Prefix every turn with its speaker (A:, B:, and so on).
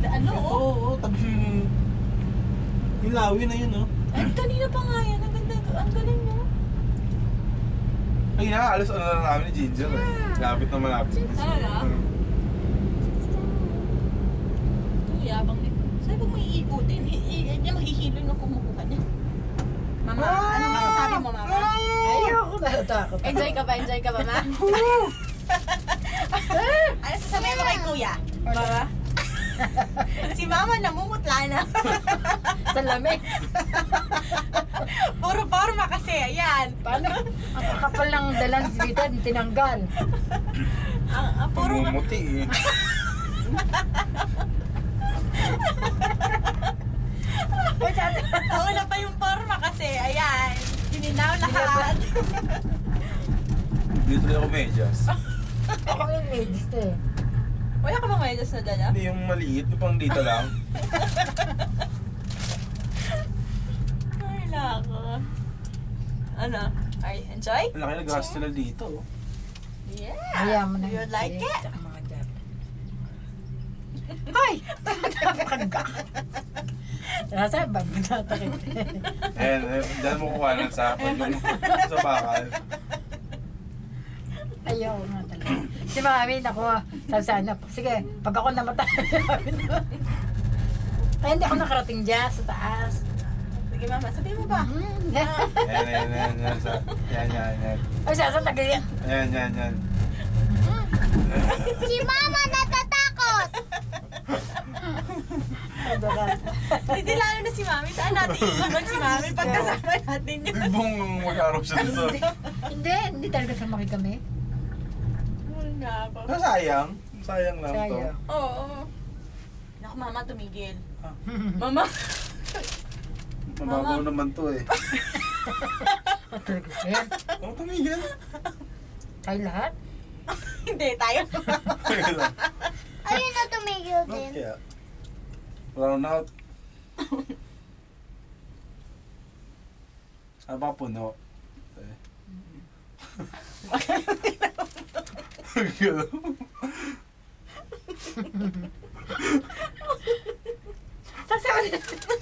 A: Ano?
B: Oo, tabi yung lawi na yun, oh.
A: Ay, kanina pa nga yan. Ang ganda. Ang galing mo.
B: Ay, nakaalas ano na namin ni Ginger, eh. Lapit na malapit.
A: Talaga? Ang yabang nito. Sabi ko mo iikutin. Hindi mahihilo na kumukuha niya. Mama, ano masasabi mo, Mama?
C: Ayoko na takot.
A: Enjoy ka ba? Enjoy ka ba, Ma? Ano sasabihin mo kay Kuya? Mama? Si Mama namumutla na.
C: Sa lamig.
A: Puro forma kasi, ayan.
C: Paano? Ang kakapal ng dalang dito, tinanggal.
A: Puro
B: Pumumuti, eh.
A: Nauna pa yung forma kasi, ayan. Hininaw lahat.
B: Dito na ako medyas.
C: Ako yung ladies to eh.
A: Wala ka bang medyas na dala?
B: Hindi yung maliit, yung pang dito lang.
A: Ay, lako. Ano? Ay, enjoy?
B: Ang laki na gasto na dito, oh.
A: Yeah.
C: Ayaw mo na.
A: You like it?
C: Tsaka mga dab. Ay! Pagka. Nasa bag, natakit.
B: Ayan, dyan mo kuha ng sapad yung sa bakal.
C: Ayaw nga talaga. Si mami, nakuha. Sabi sana, sige, pag ako namatay, ay hindi ako nakarating dyan sa taas.
A: Sige, Mama. Sabihin mo ba?
B: Yan. Yan.
C: Ay, sasatagay yan.
B: Yan.
D: Si Mama natatakot!
A: Hindi lalo na si Mami. Saan natin iiwan si Mami pagkasama natin yun?
B: Bong mag-araw siya doon.
C: Hindi talaga sumaki kami.
A: Wala ba?
B: Sayang lang to.
C: Sayang.
A: Oo. Naku, Mama, tumigil. Mama.
B: Mababaw naman to, eh.
C: Talaga siya.
B: Oh, tumigil.
C: Tayo lahat?
A: Hindi, tayo.
D: Ayun na tumigil din.
B: Kaya, round out. Aba puno.
C: Sasabi